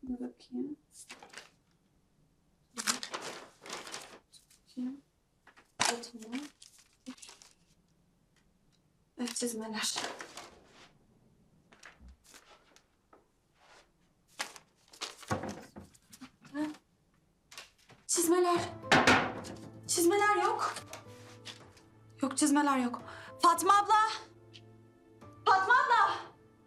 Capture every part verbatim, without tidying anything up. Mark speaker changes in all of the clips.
Speaker 1: Bir bakayım. Bakayım. Atma. Evet, çizmeler. Ha? Çizmeler. Çizmeler yok. Yok, çizmeler yok. Fatma abla. Fatma abla.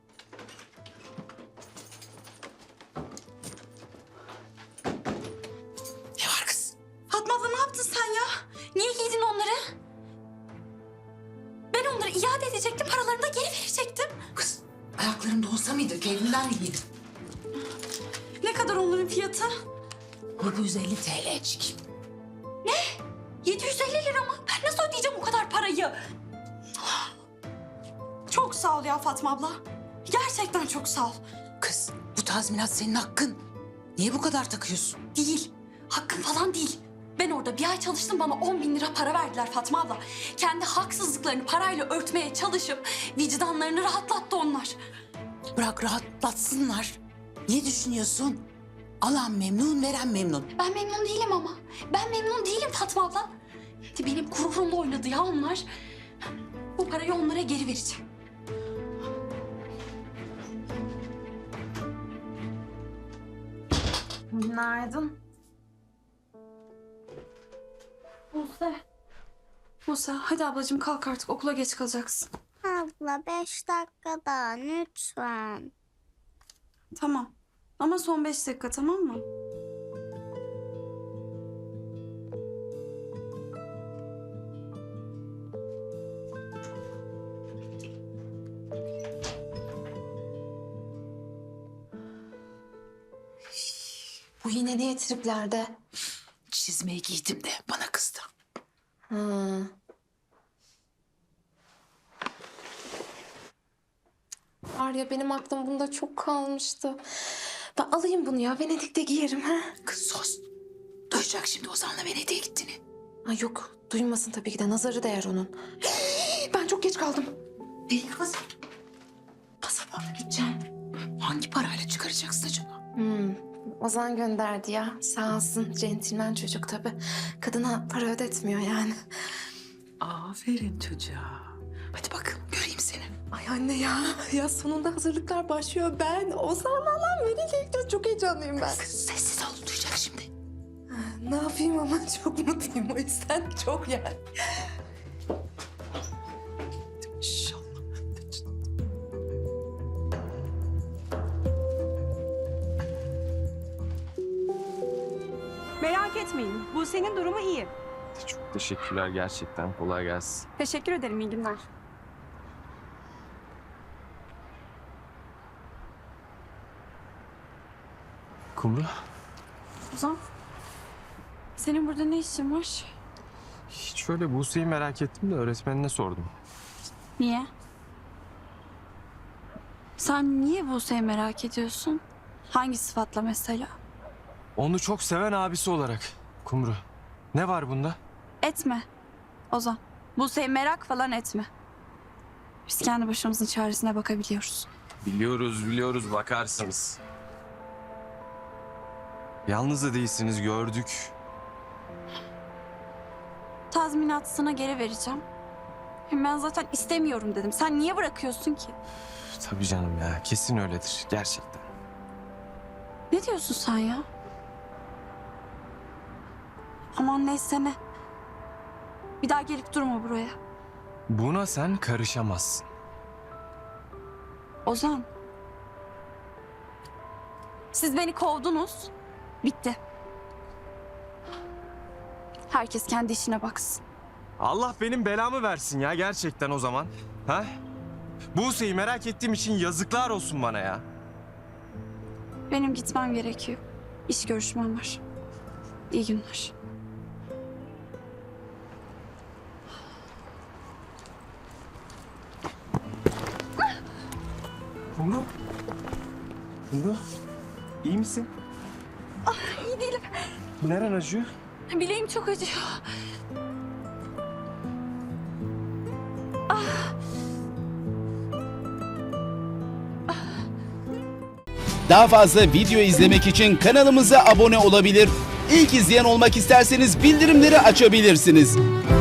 Speaker 2: Ne var kız?
Speaker 1: Fatma abla, ne yaptın sen ya? Niye giydin onları? Ben onları iade edecektim, paralarını da geri verecektim.
Speaker 2: Kız ayaklarında olsa mıydı? Kendinden giydin.
Speaker 1: Ne kadar onların fiyatı?
Speaker 2: yedi yüz elli TL'cik.
Speaker 1: yedi yüz elli lira mı? Ben nasıl ödeyeceğim o kadar parayı? Çok sağ ol ya Fatma abla. Gerçekten çok sağ ol.
Speaker 2: Kız bu tazminat senin hakkın. Niye bu kadar takıyorsun?
Speaker 1: Değil. Hakkım falan değil. Ben orada bir ay çalıştım, bana on bin lira para verdiler Fatma abla. Kendi haksızlıklarını parayla örtmeye çalışıp vicdanlarını rahatlattı onlar.
Speaker 2: Bırak rahatlatsınlar. Niye düşünüyorsun? Alan memnun, veren memnun.
Speaker 1: Ben memnun değilim ama. Ben memnun değilim Fatma abla. Benim gururumla oynadı ya onlar. Bu parayı onlara geri vereceğim.
Speaker 3: Günaydın.
Speaker 1: Buse. Buse, hadi ablacığım kalk artık, okula geç kalacaksın.
Speaker 3: Abla beş dakika daha lütfen.
Speaker 1: Tamam. Ama son beş dakika, tamam mı?
Speaker 4: Bu yine niye triplerde?
Speaker 2: Çizmeyi giydim de bana kızdı.
Speaker 4: Ha. Var ya, benim aklım bunda çok kalmıştı. Ben alayım bunu ya, Venedik'te giyerim ha.
Speaker 2: Kız sus. Duyacak şimdi Ozan'la Venedik'e gittiğini.
Speaker 4: Ay yok, duymasın tabii ki de, nazarı değer onun. Ben çok geç kaldım.
Speaker 2: Değil kız. Pasaporta gideceğim. Hangi parayla çıkaracaksın acaba?
Speaker 4: Hmm. Ozan gönderdi ya, sağ olsun, centilmen çocuk tabii. Kadına para ödetmiyor yani.
Speaker 2: Aferin çocuğa. Hadi bakalım göreyim seni.
Speaker 4: Ay anne ya, ya sonunda hazırlıklar başlıyor. Ben Ozan'la lan Venedik'e gidiyoruz, çok heyecanlıyım ben.
Speaker 2: Kız sessiz ol, duyacak şimdi.
Speaker 4: Ne yapayım ama çok mutluyum, o yüzden çok yani.
Speaker 2: İnşallah.
Speaker 5: Merak etmeyin. Buse'nin durumu iyi.
Speaker 6: Çok teşekkürler gerçekten. Kolay gelsin.
Speaker 5: Teşekkür ederim. İyi günler.
Speaker 6: Kumru,
Speaker 1: Ozan, senin burada ne işin var?
Speaker 6: hiç şöyle Buse'yi merak ettim de öğretmenine sordum.
Speaker 1: Niye? Sen niye Buse'yi merak ediyorsun? Hangi sıfatla mesela?
Speaker 6: Onu çok seven abisi olarak. Kumru, ne var bunda?
Speaker 1: Etme Ozan. Buse'yi merak falan etme. Biz kendi başımızın çaresine bakabiliyoruz.
Speaker 6: Biliyoruz, biliyoruz. Bakarsınız. Yalnız da değilsiniz, gördük.
Speaker 1: Tazminatını geri vereceğim. Hem ben zaten istemiyorum dedim. Sen niye bırakıyorsun ki?
Speaker 6: Tabii canım ya, kesin öyledir. Gerçekten.
Speaker 1: Ne diyorsun sen ya? Aman neyse ne. Bir daha gelip durma buraya.
Speaker 6: Buna sen karışamazsın.
Speaker 1: Ozan. Siz beni kovdunuz. Bitti. Herkes kendi işine baksın.
Speaker 6: Allah benim belamı versin ya gerçekten o zaman. Ha? Buse'yi merak ettiğim için yazıklar olsun bana ya.
Speaker 1: Benim gitmem gerekiyor. İş görüşmem var. İyi günler.
Speaker 6: Kumru. Kumru. İyi misin?
Speaker 1: İyi değilim.
Speaker 6: Neren acıyor?
Speaker 1: Bileğim çok acıyor.
Speaker 7: Daha fazla video izlemek için kanalımıza abone olabilir. İlk izleyen olmak isterseniz bildirimleri açabilirsiniz.